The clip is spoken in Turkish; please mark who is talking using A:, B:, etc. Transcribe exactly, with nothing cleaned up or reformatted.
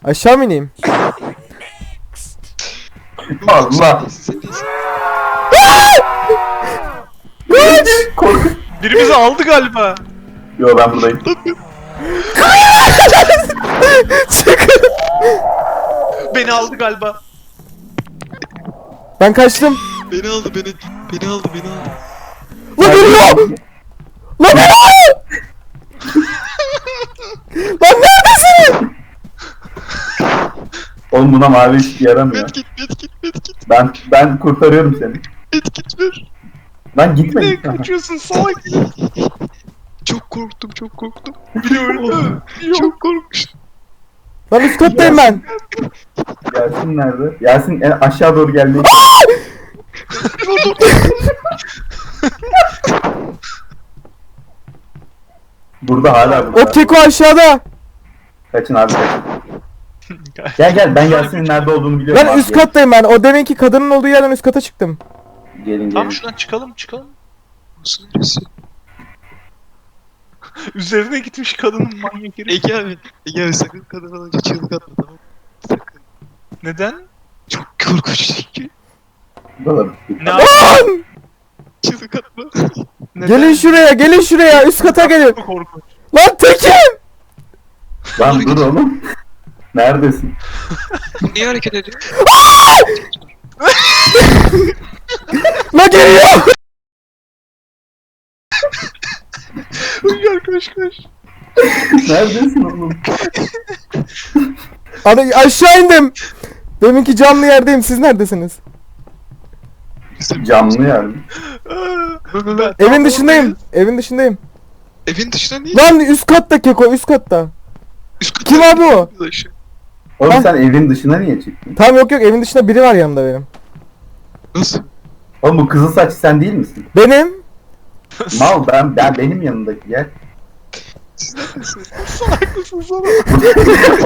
A: Aşağı mı ineyim?
B: Allah.
A: Kaç!
C: Biri bizi aldı galiba.
B: Yo ben buradayım.
A: Çıkın!
C: Beni aldı galiba.
A: Ben kaçtım.
D: Beni aldı beni. Beni aldı beni aldı.
A: Lan geliyor! Lan geliyor! Lan neredesin?
B: Oğlum buna mavi ışık yaramıyor.
D: Medkit medkit medkit
B: Ben ben kurtarıyorum seni.
D: medkit ver.
B: Lan gitme.
C: Ne
B: gitme.
C: kaçıyorsun salak?
D: Çok korktum çok korktum.
C: Biri öldü.
D: Çok korkmuştum.
A: Lan üst kattayım ben.
B: Yasin nerede? Yasin en aşağı doğru geldi. Burada hala burada.
A: O keko aşağıda.
B: Kaçın abi kaçın. Gel gel ben Yasin'in nerede olduğunu biliyorum.
A: Lan
B: abi.
A: üst kattayım ben. O deminki kadının olduğu yerden üst kata çıktım.
B: Gelin gelin.
C: Tamam şuradan çıkalım çıkalım.
D: Nasıl neresi?
C: Üzerine gitmiş kadının manyak herif.
D: Ege abi. Ege abi sakın kadın alınca çığlık atma tamam mı? Sakın.
C: Neden?
D: Çok korkunç çünkü.
B: Burada.
C: Ne yap-
A: Lan!
D: Çığlık atma.
C: Neden?
A: Gelin şuraya, gelin şuraya. Üst kata gelin.
C: Çok korkunç.
A: Lan Tekin!
B: Lan dur oğlum. Neredesin?
D: Niye hareket ediyor?
A: Lan geliyor!
C: Uygar koş koş.
B: Neredesin oğlum?
A: Ana aşağı indim. Deminki camlı yerdeyim. Siz neredesiniz?
B: Camlı yer mi?
C: Ben-
A: Evin dışındayım. Evin dışındayım.
D: Evin dışına niye?
A: Lan üst katta keko, üst katta.
D: Üst kata
A: Kim abi o?
D: Aşağı.
B: Oğlum
A: Ha?
B: sen evin dışına niye çıktın?
A: Tamam yok yok evin dışında biri var yanımda benim.
D: Nasıl?
B: Oğlum bu kızıl saç sen değil misin?
A: Benim.
B: Mal ben, ben benim yanımdaki gel.
D: Siz neredesiniz?
C: Salak mısın salak?